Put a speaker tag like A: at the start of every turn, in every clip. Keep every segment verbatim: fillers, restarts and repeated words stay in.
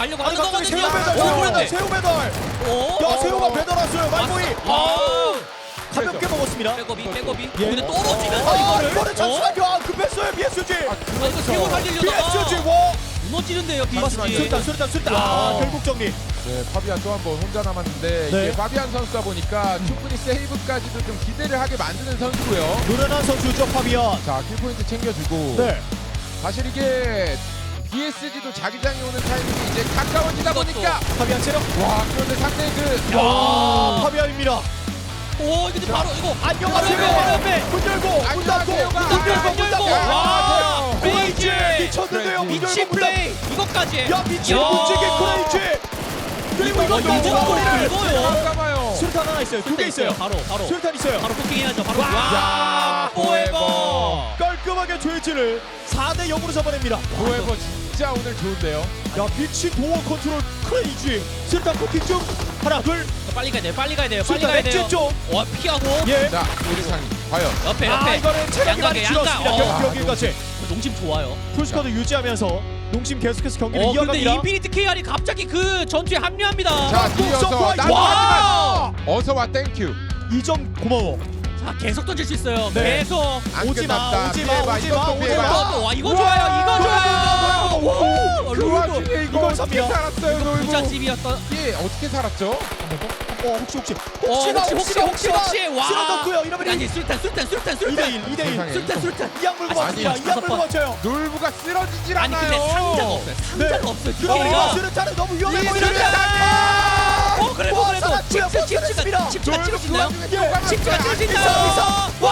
A: 가려고
B: 아니
A: 하는
B: 갑자기
A: 거거든요.
B: 새우 배달,
A: 오,
B: 새우
A: 그런데.
B: 배달, 새우 배달.
A: 오.
B: 야 새우가 배달 왔어요. 말보이.
A: 아.
B: 가볍게 먹었습니다.
A: 백업이 백업이.
B: 예.
A: 근데 떨어지면서
B: 아
A: 이거를.
B: 이거를
A: 어?
B: 잠시만요. 아, 급했어요 비에스지.
A: 아, 이거 새우 살리려다가
B: 비에스지 와.
A: 무너지는데요,
B: 맞습니다.
A: 비에스지.
B: 수류탄 수류탄 수류탄.
A: 와.
B: 아 결국 정리.
C: 네, 파비안 또 한 번 혼자 남았는데
B: 네.
C: 이게 파비안 선수다 보니까 충분히 세이브까지도 좀 기대를 하게 만드는 선수고요.
B: 노련한 선수죠 파비안.
C: 자, 킬포인트 챙겨주고
B: 네.
C: 사실 이게 비에스지도 자기장이 오는 타이밍이 이제 가까워지다 보니까
B: 파비안 체력.
C: 와, 그런데 상대 그
B: 와 파비안입니다.
A: 오, 근데 바로 이거
B: 안녕하세요.
A: 바로 옆에, 바로
B: 문 열고 문 닫고
C: 안녕하세요.
B: 문 열고 문 닫고.
A: 와,
B: 크레이지
A: 크레이지.
B: 미쳤는데요. 문
A: 미친
B: 열고 문 닫고.
A: 플레이 이것까지.
B: 야 미친
A: 야.
B: 문지기 크레이지. 그리고 이거
A: 이거
B: 너무
A: 이거
B: 머리를.
A: 이거요.
C: 잠깐만요.
B: 수류탄 하나 있어요. 두 개 있어요.
A: 바로 바로.
B: 수류탄 있어요.
A: 바로 포킹해야죠. 바로.
B: 와.
A: 와, 포에버.
B: 깔끔하게 조이치를 사 대 영으로 잡아냅니다.
C: 도에버 진짜 오늘 좋은데요.
B: 야 미친 도어 컨트롤 크레이지. 수류탄 포킹 중 하나 둘.
A: 빨리 가야 돼요. 빨리 가야 돼요. 빨리
B: 수류탄
A: 가야
B: 엑진
A: 돼요.
B: 쪽.
A: 와, 피하고.
B: 예.
C: 자, 오리상이 과연
A: 옆에
B: 아
A: 옆에.
B: 이거는 체력이 많이
A: 양각에,
B: 줄었습니다.
A: 양각.
B: 경기
C: 어.
B: 여기까지.
A: 농심 좋아요.
B: 풀스쿼드 유지하면서 농심 계속해서 경기를
A: 어, 근데
B: 이어갑니다.
A: 인피니트 케이알이 갑자기 그 전투에 합류합니다.
C: 자, 뒤어서
B: 서프라이즈.
C: 나도
B: 와!
C: 어서 와 땡큐.
B: 이 점 고마워.
A: 자, 계속 던질 수 있어요.
B: 네.
A: 계속.
C: 안
B: 오지 마,
C: 끝났다.
B: 오지 마,
C: 피해봐,
B: 오지
C: 이것도
B: 마, 오지
C: 피해봐.
B: 마.
A: 또, 와, 이거
C: 우와!
A: 좋아요. 이거 좋아요.
B: 오,
C: 그
B: 룰도.
C: 와중에 이거
B: 이걸
C: 어떻게
B: 삽니다.
C: 살았어요, 놀고.
A: 부잣집이었던.
C: 이게 어떻게 살았죠?
B: 어 혹시 혹시
A: 어,
B: 혹시나
A: 혹시 혹시 혹시 혹시 와.
B: 실어 넣고요. 이러면
A: 아니, 술탄 술탄 술탄
B: 이 대
A: 술탄.
B: 일, 이 대 일.
C: 세상에.
A: 술탄 술탄.
B: 이양 물고
A: 아니,
B: 맞습니다.
A: 아니,
B: 이양 물고
A: 다섯
B: 맞춰요.
C: 놀부가 쓰러지질
A: 아니,
C: 않아요.
A: 근데 상자가 없어요. 상자가 없어요.
B: 들어가
A: 디케이가.
B: 수류탄은 너무 위험해
C: 이
B: 보이는데.
A: 수류탄! 어, 그래도
B: 와,
A: 그래도
B: 살았고요.
A: 칩스
B: 못
A: 칩스가
B: 살았습니다.
A: 칩스가 찍을 수 있나요?
B: 예.
A: 칩스가 찍을 수
B: 있어,
A: 있나요?
B: 있어.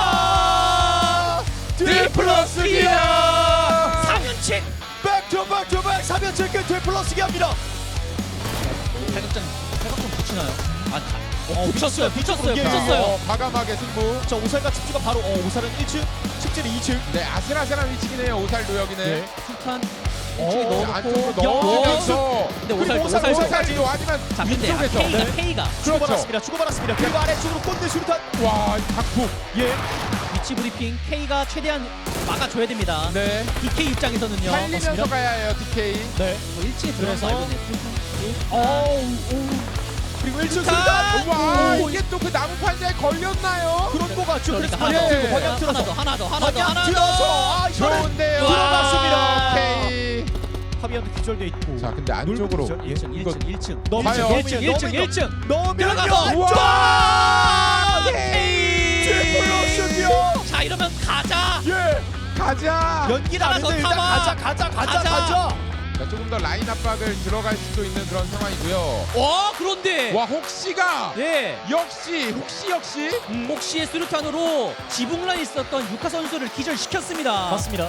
A: 와!
B: 디플러스 기아.
A: 삼연칙.
B: 백투백투백 삼 연칠 끝 디플러스 기아입니다.
A: 팔각정 팔각정 붙이나요? 아, 다-
B: 어,
A: 어, 붙였어요. 붙였어요.
B: 예,
A: 붙였어요.
C: 어, 과감하게 승부.
B: 자 오살과 칩주가 바로 어 오살은 일 층, 칩질이 이 층.
C: 네, 아슬아슬한 위치긴 해요. 오살 노역이네.
B: 예.
A: 술탄
B: 어,
A: 일찍
C: 안쪽으로
A: 넣어놓고.
C: 넣어주면서
A: 근데 오살
B: 그리고 오살,
A: 오살
B: 오살.
A: 오살.
C: 오살이요. 하지만
A: 자, 근데 아,
C: 위쪽에서
A: K가
B: 네.
A: K가
B: 주고받았습니다. 주고받았습니다. 그리고 아래쪽으로 꼰대 수류탄.
C: 와, 각폭.
B: 예.
A: 위치 브리핑 K가 최대한 막아줘야 됩니다.
C: 네.
A: 디케이 입장에서는요.
C: 살리면서
B: 맞습니다.
C: 가야 해요, 디케이.
B: 네.
A: 뭐 일 층에 들어가서
B: 그래서-
A: 알고
B: 어우. 그리고 일 층
A: 수류탄!
B: 수류탄.
C: 와,
B: 오,
C: 이게 또 그 나무 판자에 걸렸나요?
B: 그런 거 같죠. 그래서
A: 그러니까
B: 방향
A: 하나
B: 틀고
C: 더,
B: 방향
A: 하나
B: 틀어서
A: 더 하나 더 하나 더
B: 방향
A: 하나
B: 틀어서
A: 더.
B: 아 이거는
C: 좋은데요.
B: 들어갔습니다.
C: 오케이.
B: 파비안도 기절돼 있고.
C: 자, 근데 안쪽으로
B: 기절? 예.
A: 일 층 일 층 일 층
B: 넘으면
C: 봐요.
B: 넘으면
A: 일 층 일 층 일 층
B: 넘으면
A: 들어가서
C: 우와!
A: K.
B: 디플러스기요.
A: 자, 이러면 가자.
B: 예.
C: 가자.
B: 연기를
A: 하나
B: 안
A: 더
B: 했는데 일단
A: 타봐.
B: 가자 가자 가자
A: 가자.
B: 가자.
C: 자, 조금 더 라인 압박을 들어갈 수도 있는 그런 상황이고요.
A: 어, 그런데
C: 와, 혹시가
A: 예.
C: 역시 혹시 역시
A: 음, 혹시의 수류탄으로 지붕란에 있었던 유카 선수를 기절시켰습니다.
B: 맞습니다.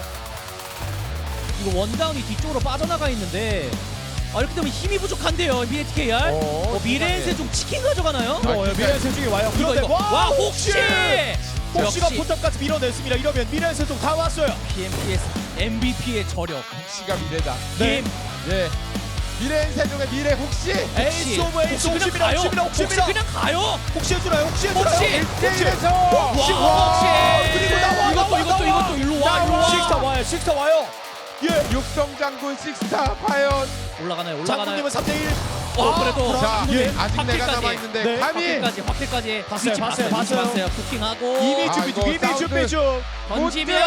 A: 이거 원다운이 뒤쪽으로 빠져나가 있는데 아, 이렇게 되면 힘이 부족한데요, 미에티케이알.
C: 어,
A: 어, 미래의 좀 치킨 가져가나요?
C: 아,
B: 어,
C: 그러니까-
B: 미래의 세중이 와요.
A: 이거
B: 그런데
A: 이거 와,
B: 혹시
A: 혹시
B: 혹시가
A: 역시
B: 포탑까지 밀어냈습니다. 이러면 미래의 세중 다 왔어요.
A: 피엠피에스 엠브이피의 저력.
C: 혹시가 미래다.
B: 네.
A: 피엠
C: 예. 미래인 세종의 미래 혹시
B: 에이스 오브 에이스
A: 혹시 그냥
B: 혹시입니다.
A: 가요.
B: 혹시입니다.
A: 혹시
B: 혹시입니다.
A: 그냥 가요.
B: 혹시 해주나요? 혹시 해주나요?
A: 혹시.
C: 일대일에서
A: 혹시
B: 와,
A: 혹시
B: 그리고 나와,
A: 이것도
B: 나와,
A: 이것도
B: 나와.
A: 이것도 일로 와, 일로
B: 나와.
A: 와.
B: 식스타 와요. 식스타 와요. 예.
C: 육성장군 식스타 과연.
A: 올라가나요? 올라가나요?
B: 장군님은 삼 대 일.
A: 어,
B: 아,
A: 그래도
B: 자,
C: 자,
B: 예.
C: 아직 내가
A: 확실까지.
C: 남아 있는데
B: 네,
C: 감히
A: 확실까지 확실까지
B: 봤어요,
A: 위치
B: 봤어요,
A: 봤어요. 위치
B: 봤어요.
A: 봤어요. 부킹하고
B: 이미
C: 아,
B: 준비 중.
C: 이거
B: 이미
C: 사운드.
B: 준비 중.
A: 던지면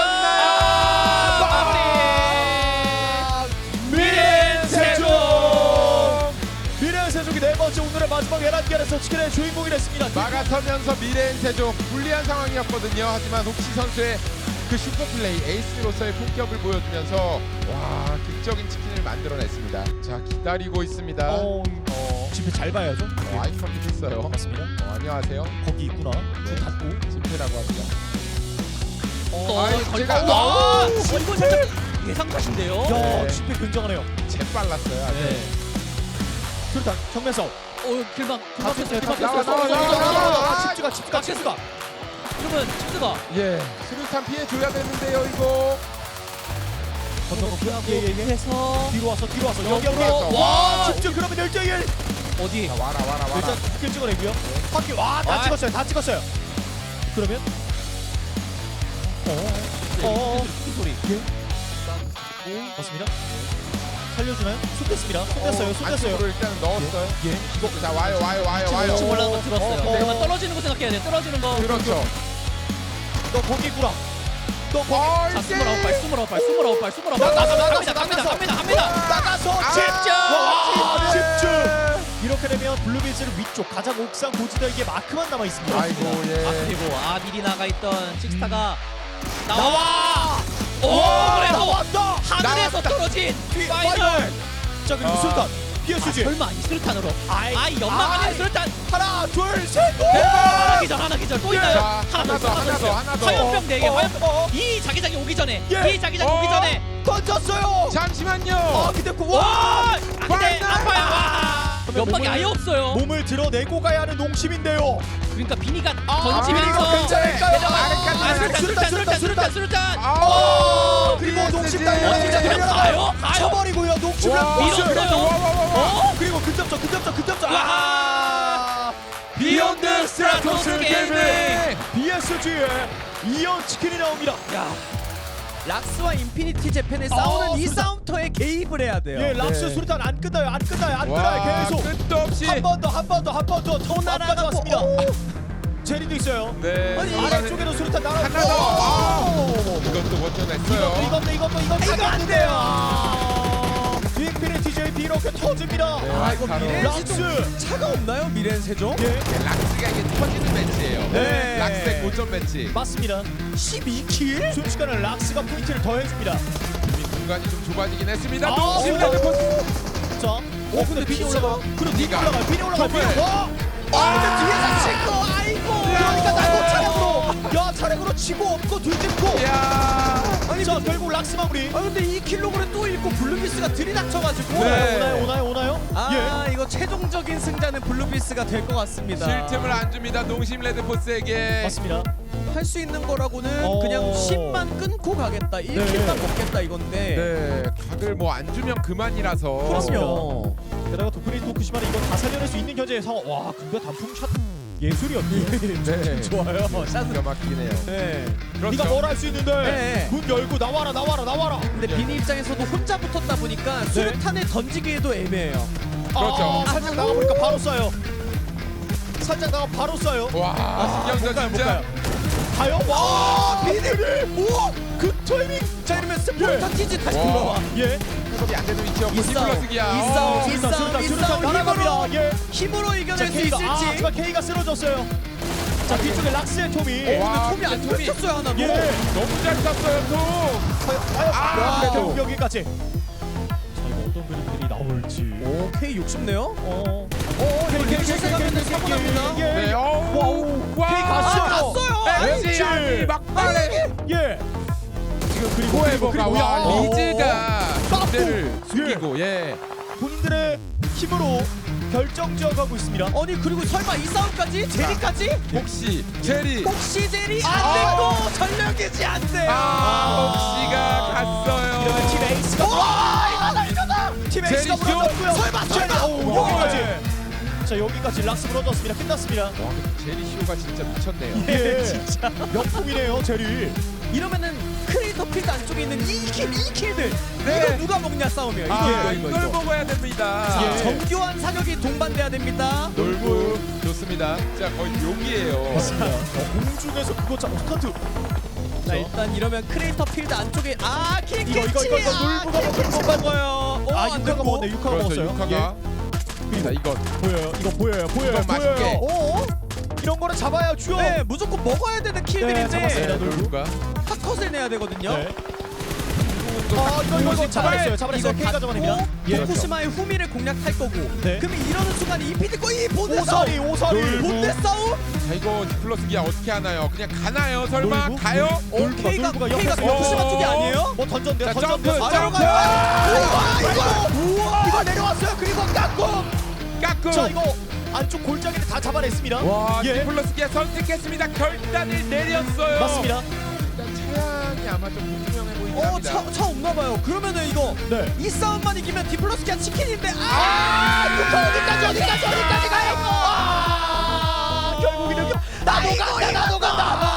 C: 못
A: 마무리.
B: 미래 세종. 미래 세종이 네 번째 오늘의 마지막 에란겔에서 치킨의 주인공이 됐습니다.
C: 막아서면서 미래인 세종 불리한 상황이었거든요. 하지만 혹시 선수의 그 슈퍼플레이 에이스로서의 품격을 보여주면서 와, 극적인 치킨을 만들어냈습니다. 자, 기다리고 있습니다.
B: 어, 어, 집회 잘 봐야죠.
C: 어, 아이 컨택 했어요.
B: 반갑습니다.
C: 어, 안녕하세요.
B: 거기 있구나. 문 닫고.
C: 진태라고 합니다.
A: 어,
C: 아이,
A: 걸-
C: 제가-
A: 와,
C: 오,
A: 이거 살짝 예상샷인데요.
B: 야,
C: 네.
B: 집회 굉장하네요.
C: 재빨랐어요. 아주.
A: 네.
B: 수류탄 정면 싸움.
A: 어, 길막
B: 다
A: 길막
B: 뺐어요. 다
A: 길막
B: 뺐어요.
C: 나와, 나와, 나와, 나와, 나와.
B: 칩주가 칩주가 칩주가.
A: 이러면 칩스가
C: 예, 수류탄 피해줘야 되는데요, 이거.
B: 건너놓고
A: 하고
B: 예예예.
A: 해서
B: 뒤로 와서 뒤로 와서
A: 너무
B: 여기 여기.
C: 들어와서.
B: 와, 집중 그러면 일 대 일.
A: 어디?
C: 자, 와라, 와라, 와라.
B: 일단 바퀴 찍어내고요. 바퀴 와다
A: 아.
B: 찍었어요. 다 찍었어요. 그러면 어. 어.
A: 무슨 소리?
B: 맞습니다. 살려주나요? 쏟겠습니다. 쏟겠어요. 쏟겠어요.
C: 안쪽으로 일단 넣었어요.
B: 예.
C: 이거 자 와요 와요 와요
A: 지금
C: 와요.
A: 지금 올라간 거 들었어요.
B: 어, 어.
A: 그러면 떨어지는 거 생각해야 돼. 떨어지는 거.
C: 그렇죠.
B: 너 거기 구라. 너 거기.
C: 어,
A: 자,
C: 이제-
A: 스물아홉 발, 스물아홉 발, 스물아홉 발, 스물아홉 발.
B: 나가서, 나가서,
A: 갑니다, 갑니다,
B: 나가서.
A: 갑니다, 갑니다.
B: 나가서
C: 아,
B: 집중.
C: 와,
B: 집중. 이렇게 되면 블루비즈는 위쪽 가장 옥상 고지대에게 마크만 남아 있습니다.
C: 아이고 예.
A: 아 그리고 아 미리 나가 있던 식스타가 나와.
B: 나와.
A: 오
B: 와,
A: 그래도
B: 나왔다.
A: 하늘에서
C: 나왔다.
A: 떨어진 파이널.
B: 파이널. 자 그리고
C: 아.
B: 술탄.
A: 아,
B: 피에스지.
A: 설마 이 수류탄으로?
B: 아이,
A: 아이 연막
B: 아이.
A: 안에 수류탄.
B: 하나, 둘, 셋.
A: 하나 기절, 하나 기절 또 있나요?
C: 자,
A: 하나
C: 하나
A: 더,
C: 더,
A: 하나
C: 하나 더,
A: 더.
C: 하나 더.
A: 화염병 네 개,
B: 어,
A: 화염병.
B: 어.
A: 이 자기장이 오기 전에,
B: 예.
A: 이 자기장이
C: 어.
A: 오기 전에.
B: 던졌어요.
C: 잠시만요.
B: 아 근데 그
A: 와,
B: 와.
A: 아, 근데
C: 파이널!
A: 아파요. 와, 연막이
B: 몸을-
A: 아예 없어요.
B: 몸을 드러내고 가야 하는 농심인데요.
A: 그러니까 비니가
B: 아,
A: 던지면서
B: 비니가 괜찮을까요?
C: 아래까지,
A: 아, 수류탄, 수류탄, 수류탄, 수류탄, 수류탄.
C: 아,
B: 그리고
C: 피에스지.
B: 농심
A: 어, 진짜 그냥 가요? 가요?
B: 쳐버리고요. 농심을
C: 와,
A: 밀었어요.
C: 그래도 와, 와, 와, 와.
B: 어? 그리고 근접점, 근접점, 근접점.
A: 와.
B: 아!
A: 비욘드 스트라토스 게이밍.
B: 비에스지의 이연 치킨이 나옵니다.
D: 야, 락스와 인피니티 재팬의
B: 아,
D: 싸우는 이
B: 수류탄.
D: 싸움터에 개입을 해야 돼요.
B: 예, 락스
C: 네.
B: 수류탄 안 끝나요, 안 끝나요, 안
C: 와,
B: 끝나요. 계속
C: 끝도 없이.
B: 한 번 더, 한 번 더, 한 번 더. 또
D: 날아가고,
B: 왔습니다.
D: 오.
B: 제리도 있어요.
C: 네.
B: 아니
C: 이거는-
B: 아래쪽에도 수류탄 날아.
C: 하나 더. 아.
B: 오.
C: 이것도
B: 이것도
C: 원전했어요.
B: 이것도 이것도 이것도
D: 이거 안 돼요.
B: 인피니티 제이 이렇게 터집니다.
C: 네,
D: 아, 이거
C: 바로.
D: 미래
B: 락스.
D: 세종 차가 없나요? 미래 세종?
B: 예,
C: 락스가 이게 터지는 매치예요.
B: 네.
C: 락스의 고점 매치.
B: 맞습니다. 십이 킬? 순식간에 락스가 포인트를 더해줍니다.
C: 공간이 좀 좁아지긴 했습니다.
B: 아,
C: 농심
B: 올라가.
C: 레드포스.
B: 자, 어 근데 빈이
D: 피자.
B: 올라가. 그리고 빈이
C: 니가.
B: 올라가. 빈이 올라가.
C: 정말.
B: 빈이. 와. 아, 근데 뒤에서 치고. 아이고. 그러니까 나도 차량으로. 야, 차량으로 치고 없고 뒤집고.
C: 야.
B: 아니, 자, 결국 락스 마무리.
D: 아 근데 이 킬로그램 또 잃고 블루비스가 들이닥쳐가지고
C: 네.
B: 오나요, 오나요, 오나요?
D: 아 이거 최종적인 승자는 블루비스가 될 것 같습니다.
C: 쉴 틈을 안 줍니다. 농심
B: 예.
C: 레드포스에게.
B: 맞습니다.
D: 할 수 있는 거라고는
B: 어.
D: 그냥 십만 끊고 가겠다. 일 킬만
B: 네.
D: 먹겠다 이건데.
C: 네. 각을 뭐 안 주면 그만이라서.
D: 그럼요.
B: 게다가 도프리 토크시마는 이거 다 살려낼 수 있는 현재의 상황. 와, 근데 단풍 샷 예술이었네요.
C: 네.
D: 좋아요. 샷은.
C: 기가 막히긴 해요.
D: 네.
C: 그렇죠.
B: 네가 뭘 할 수 있는데
D: 네.
B: 문 열고 나와라 나와라 나와라.
D: 근데 비니 입장에서도 혼자 붙었다 보니까 수류탄을 던지기에도 애매해요.
C: 그렇죠.
B: 아, 살짝 나가 보니까 바로 쏴요. 살짝 나가 바로 쏴요.
C: 와, 신경전
B: 못
C: 진짜.
B: 가요. 가요? 와, 비닐이 우와, 그 타이밍.
D: 자 이러면 스포르타 티지 다시
C: 와.
D: 돌아와.
B: 예.
C: 해석이 안 되는 위치였고
D: 이 싸움,
C: 디플러스기야.
D: 이
C: 어.
D: 싸움, 이
B: 수류탄,
D: 싸움,
B: 수류탄,
D: 이
B: 수류탄
D: 싸움
B: 날아갑니다.
D: 힘으로
B: 예.
D: 힘으로
B: 자,
D: 이겨낼 수
B: K가 아,
D: 있을지.
B: 하지만 K가 쓰러졌어요. 자, 뒤쪽에 락스의 톰이.
C: 와,
D: 톰이 안
C: 근데 톰이-
D: 펼쳤어요 하나도.
B: 예.
C: 너무 잘 쐈어요, 또.
B: 과연
C: 아,
B: 아,
C: 그래도.
B: 결국 여기까지. 자, 이거 어떤 그림들이 나올지.
D: 오 K 욕심내요?
B: 어.
D: 어
B: K, K, K,
D: 실수하면
B: K, K,
D: 사고
B: K,
D: 납니다.
B: 예.
C: 네, 어우.
B: 와우.
C: 와.
B: K 갔어요.
D: 아, 갔어요.
C: 벤치
B: 벤치.
C: 아니 막판에
B: 예. 지금 그리고
C: 포에버가
B: 그리고
C: 와
B: 야.
C: 리즈가
B: 깜빡.
C: 상대를 숨기고 예.
B: 본인들의 힘으로 결정지어가고 있습니다.
D: 아니 그리고 설마 이 싸움까지? 제리까지?
C: 혹시 제리
D: 혹시 제리
B: 아.
D: 안 됐고 전력이지 안 돼요.
C: 아 혹시가
B: 이러면 팀
C: 갔어요.
B: 에이스가 와 이거다 이거다. 팀 에이스가
C: 제리 슛.
B: 무너졌고요.
D: 설마,
B: 제리,
D: 설마.
B: 오,
C: 와.
B: 여기까지. 자 여기까지 락스 무너졌습니다. 끝났습니다.
C: 와 근데 제리 쇼가 진짜 미쳤네요.
B: 예, 진짜 명품이네요 제리.
D: 이러면은 크리에이터 필드 안쪽에 있는 이 킬, 이 킬들
C: 네.
D: 이거 누가 먹냐 싸움이에요. 이거
C: 아
D: 이거 이거
C: 이걸
D: 이거.
C: 먹어야 됩니다.
D: 자,
B: 예.
D: 정교한 사격이 동반돼야 됩니다.
C: 놀부 좋습니다. 진짜 거의 욕이에요.
B: 맞습니다. 어, 공중에서 그거 참 스턴트.
D: 자 일단 이러면 크리에이터 필드 안쪽에 아 킬캐치
B: 이거, 이거, 이거, 이거 놀부가 먹을
D: 못 먹어요. 오,
B: 아
D: 안
B: 육카가
D: 됐고.
B: 먹었네. 육카가
C: 그렇죠
B: 먹었어요.
C: 육화가. 자 이건
B: 예. 보여요. 이거 보여요. 보여요.
C: 이건 맛있게.
B: 보여요.
D: 오,
B: 이런 거는 잡아야 주요.
D: 네 무조건 먹어야 되는
B: 네,
D: 킬들인데
B: 잡았습니다.
C: 네, 놀부가
D: 핫컷을 내야 되거든요.
B: 네. 아 이거 이거 이거 잡아냈어요. 잡아냈어요.
D: 이거
B: K가 잡아냅니다.
D: 예.
C: 그렇죠.
D: 도쿠시마의 후미를 공략할 거고.
B: 네.
D: 그러면 이러는 순간 이피디고 이 본대
B: 오사리
D: 싸움.
B: 오사리.
D: 본대 싸움?
C: 자 이거 디플러스기야 어떻게 하나요? 그냥 가나요? 설마
B: 놀부?
C: 가요?
B: 놀부?
D: 오 K가
B: 놀부가
D: K가
B: 옆에서
D: 도쿠시마
C: 어.
D: 쪽이 아니에요?
B: 뭐 던졌는데요.
C: 자,
B: 던졌는데요.
C: 점프,
B: 던졌는데요.
C: 점프.
B: 아, 이거 이거 우와 이거 내려왔어요. 그리고 깎고.
C: 까꿍.
B: 자 이거 안쪽 골짜기를 다 잡아냈습니다.
C: 와
B: 예.
C: 디플러스기야 선택했습니다. 결단을 내렸어요.
B: 맞습니다.
C: 일단 차량이 아마 좀 불투명해 보이긴
D: 어,
C: 합니다.
D: 차, 차 없나 봐요. 그러면은 이거
B: 네.
D: 이 싸움만 이기면 디플러스키아 치킨인데 아!
B: 아, 이거 어디까지 어디까지 어디까지 가요? 아, 결국 이렇게 나도 간다 나도 간다.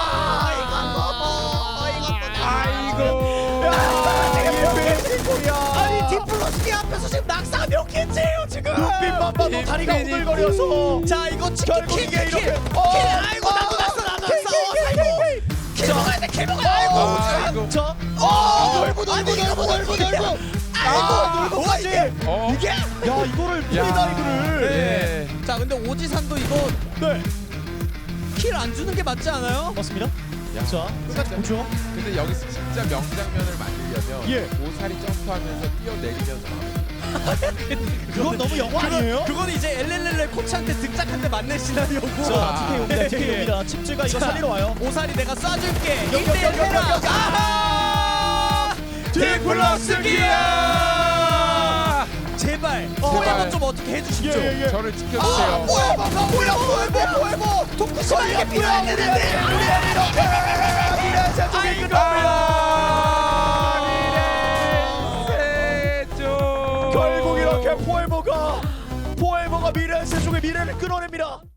C: 아이고.
B: 야, 이게 베이징 코리아.
D: 아니 디플러스키아 앞에서 지금 낙사가 몇 개째예요 지금.
B: 눈빛만 봐도 다리가 오글거려서.
D: 자 이거 치킨
B: 결국
D: 킬,
B: 이게
D: 킬,
B: 이렇게.
D: 킬.
B: 어,
D: 킬. 아이고
B: 아,
D: 나도 낙사 나도
B: 킬,
D: 낙사.
B: 킬,
D: 어,
B: 킬,
D: 아이고.
B: 킬,
D: 킬 먹어야 돼. 킬 먹어야 돼.
B: 아이고,
C: 아, 이거.
B: 저.
D: 어,
B: 놀고 놀고
D: 아니, 이거
B: 놀고
D: 뭐
B: 놀고
D: 이게.
B: 놀고.
D: 아이고
B: 아,
D: 놀고까지.
C: 어?
B: 이게. 야 이거를
C: 야.
B: 프리다이브를.
C: 네.
D: 자 근데 오지산도 이거
B: 네.
D: 킬 안 주는 게 맞지 않아요?
B: 맞습니다.
C: 야,
B: 자 끝까지 보죠.
C: 근데 여기서 진짜 명장면을 만들려면
B: 예.
C: 오살이 점프하면서 뛰어내리면서
B: 그건 너무 영화 아니에요?
D: 그건 이제 엘렐렐레 코치한테 등짝한 대 맞는 시나리오고.
B: 자 티케이옵니다.
D: 네.
B: 티케이옵니다. 칩즈가 이거
D: 자,
B: 살리러 와요.
D: 오살이 내가 쏴줄게.
B: 여기, 여기, 여기, 여기, 여기.
D: 아하!
C: 디플러스 기아!
D: 제발
C: 제발.
D: 포에버 좀 어떻게 해주십시오.
B: 예, 예, 예.
C: 저를
D: 아,
C: 지켜주세요.
D: 뭐야, 뭐야, 뭐야, 뭐야, 뭐야, 뭐야, 뭐야. 토크쇼가 이게 필요해야 되는데.
B: 미래세종이
C: 미래세종.
B: 결국 이렇게 포에버가 포에버가 미래세종의 미래를 끌어냅니다.